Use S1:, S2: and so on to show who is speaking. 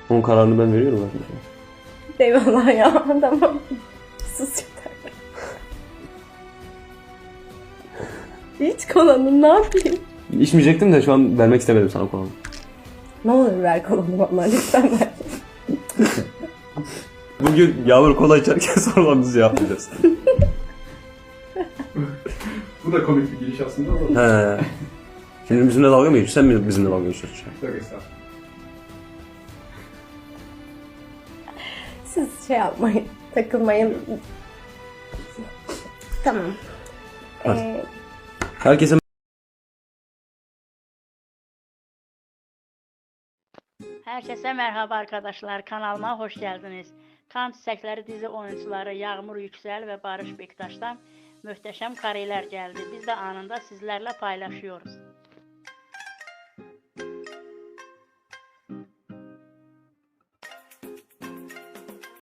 S1: Onun kararını ben veriyorum zaten.
S2: Eyvallah ya. Tamam. Sus yeter. Hiç kolanı ne yapayım?
S1: İçmeyecektim de şu an vermek istemedim sana kolanı.
S2: Ne olur ver kolanı bana lütfen ver.
S1: Bugün Yağmur kola içerken sorularınızı yapacağız.
S3: Bu da komik bir giriş aslında ama.
S1: He. Şimdi bizimle dalga mı geçiyorsun? Sen mi bizimle dalga geçiyorsun?
S3: Yok estağfurullah.
S2: Siz şey yapmayın. Takılmayın. Tamam.
S1: Herkese
S4: Herkese merhaba arkadaşlar, kanalıma hoş geldiniz. Kan Çiçekleri dizi oyuncuları Yağmur Yüksel ve Barış Bektaş'tan muhteşem kareler geldi. Biz de anında sizlerle paylaşıyoruz.